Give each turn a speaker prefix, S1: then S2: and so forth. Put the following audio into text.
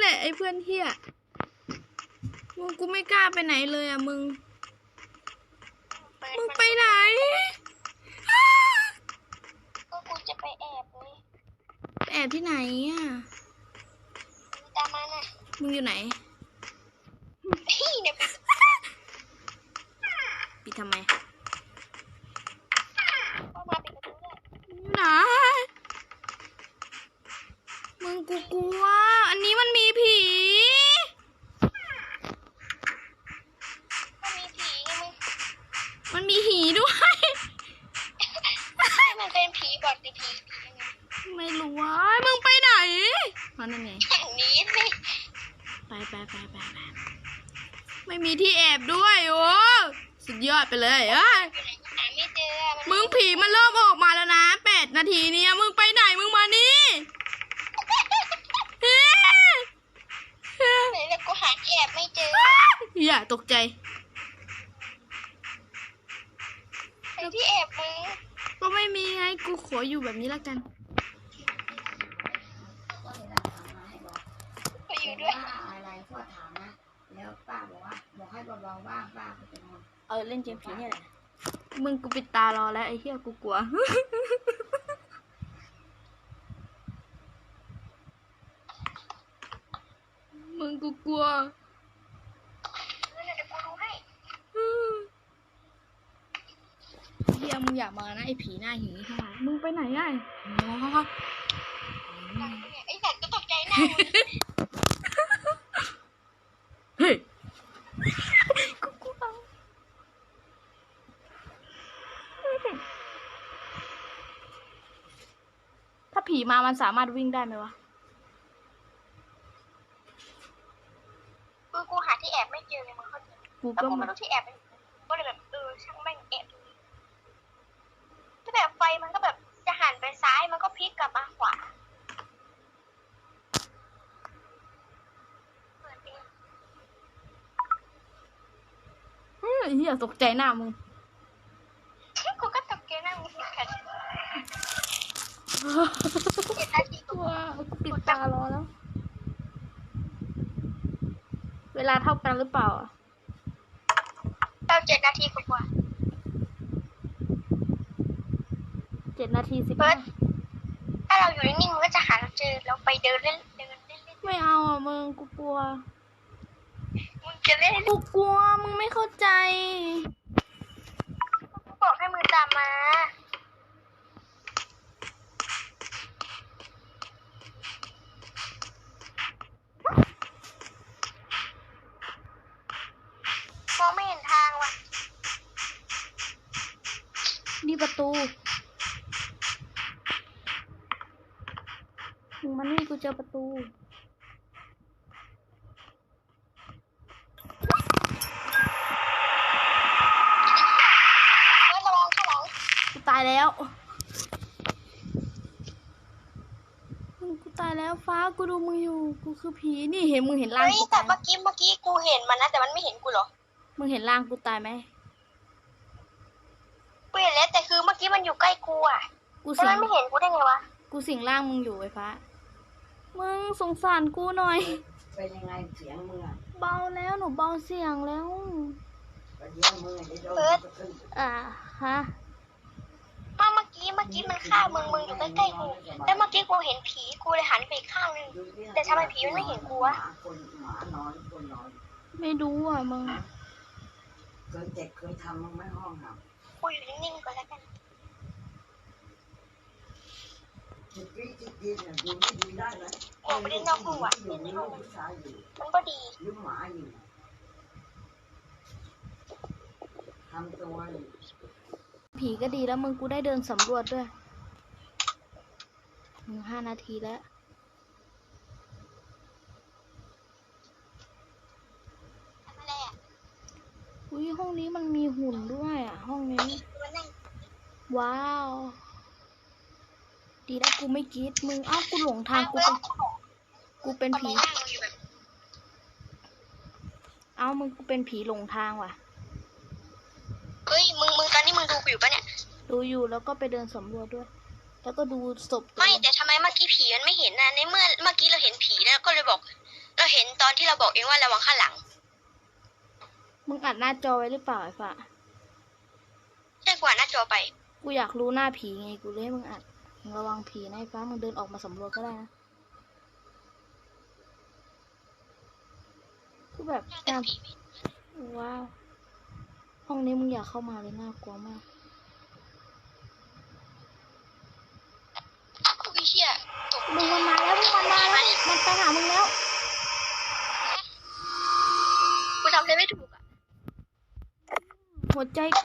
S1: ไอ้เพื่อนเฮียมึงกูไม่กล้าไปไหนเลยอ่ะมึงไปไหน
S2: ก็กูจะไปแอบเลย
S1: แอบที่ไหนอ่ะ
S2: ตามมาน่ะ
S1: มึงอยู่ไหน
S2: เนี่ย
S1: ปิดทำไม
S2: ก็มาปิดประตูด้วย
S1: ไหนมึงกูกลัวอันนี้มันมีผีมันมีหีด้วย
S2: มันเป็นผีบอดหรือผี
S1: ไม่รู้ว่ามึงไปไหนมันยังไง
S2: อย่างนี้สิ
S1: ไปไม่มีที่แอบด้วยโอ้สุดยอดไปเลย
S2: หาไม่เจอ
S1: มึงผีมันเริ่มออกมาแล้วนะ8 นาทีเนี่ยมึงไปไหนมึงมานี่
S2: ไหนแล้วกูหาแอบไม่เจอ
S1: อย่าตกใจ
S2: ไอ้ที่แอบมึง
S1: ก็ไม่มีไงกูขออยู่แบบนี้ละกัน
S2: ก็อยู่ด้วย
S3: อะไรพ่อถามนะแล้วป้าบอกให้เบาๆบ้างป้าก็จะนอน
S1: เล่นเกมผีเนี่ยแหละมึงกูปิดตารอแล้วไอ้เหี้ยกูกลัวมึงกูกลัวเฮียมึงอย่ามานะไอ้ผีหน้าหีค่ะมึงไปไหนไอ้
S2: ไอ้สัตว์ก็ตกใจหน้า
S1: เฮ้ยกูกลัวถ้าผีมามันสามารถวิ่งได้ไหมวะ
S2: กูหาที่แอบไม่เจอเลยมึงเข้าใจกูไม่รู้ที่แอบก็เลยแบบช่างแม่งแอบถ้าแบบไฟมันก็แบบจะหันไปซ้ายมันก็พลิกกลับมาขวา
S1: เฮียตกใจหน้ามึง
S2: กูก็ตกใจหน้ามึงกัน
S1: ว้าปิดตารอแล้วเวลาเท่ากันหรือเปล่า
S2: เรา7 นาทีกว่า
S1: 7 นาที10
S2: ถ้าเราอยู่นิ่งๆมันก็จะหาเราเจอเราไปเดินเล่น
S1: ไม่เอาอ่ะมึงกูกลัว
S2: มึงจะเล่น
S1: กูกลัวมึงไม่เข้าใจ
S2: กูบอกให้มึงตามมามองไม่เห็นทางว่ะ
S1: นี่ประตูมึงมานี่กูเจอประตู
S2: ระวังข้างหลัง
S1: กูตายแล้วกูตายแล้วฟ้ากูดูมึงอยู่กูคือผีนี่เห็นมึงเห็นร่างกู
S2: แต่เมื่อกี้กูเห็นมันนะแต่มันไม่เห็นกูหรอ
S1: มึงเห็นร่างกูตายไหม
S2: กูเห็นแล้วแต่คือเมื่อกี้มันอยู่ใกล้กูอ่ะแต่มันไม่เห็นกูได้ไงวะ
S1: กูสิงร่างมึงอยู่ไอ้ฟ้ามึงสงสารกูหน่อย
S3: เป็นยังไงเสียงมึงอ่ะ
S1: เบาแล้วหนูเบาเสียงแล้วฮะ
S2: เมื่อกี้มันฆ่ามึงอยู่ใกล้ๆกูแล้วเมื่อกี้กูเห็นผีกูเลยหันไปอีกข้างนึงแต่ทำไมผีมันไม่เห็นกูวะ
S1: ไม่รู้อ่ะมึง
S3: เคยทำมึงไม่ห้องครับ
S2: กูอยู่นิ่งๆก่อนแล้วกันออกไปเล่นนอกห้องว่ะเล่นในห้องมันก็ดี
S3: ยุ่งหมาอยู่ทำตัว
S1: ผีก็ดีแล้วมึงกูได้เดินสำรวจด้วย5 นาทีแล้วอุ้ยห้องนี้มันมีหุ่นด้วยอ่ะห้องนี้ว้าวดีแล้วกูไม่คิดมึงกูหลงทางกูเป็นผีมึงกูเป็นผีหลงทางว่ะ
S2: เฮ้ยมึงตอนนี้มึงดูกูอยู่ปะเนี่ย
S1: ดูอยู่แล้วก็ไปเดินสำรวจด้วยแล้วก็ดูศพ
S2: ไม่แต่ทำไมเมื่อกี้ผีมันไม่เห็นนะในเมื่อกี้เราเห็นผีแล้วก็เลยบอกเราเห็นตอนที่เราบอกเองว่าระวังข้างหลัง
S1: มึงอัดหน้าจอไว้หรือเปล่าไอ้ฝ่า
S2: ใช่กว่าหน้าจอไป
S1: กูอยากรู้หน้าผีไงกูเลยให้มึงอัดมึงระวังผีนะไอ้ฟ้ามึงเดินออกมาสำรวจก็ได้นะคือแบบ
S2: แต่
S1: น่า
S2: ผีไม่
S1: ว้าวห้องนี้มึงอยากเข้ามาเลยน่ากลัวมาก
S2: อุ้ยเชี่ยตก
S1: มึงมันมาแล้วมึงมันมาแล้วมันไปหามึงแล้ว
S2: กูทำอะไรไม่ถูกอ่ะ
S1: หัวใจ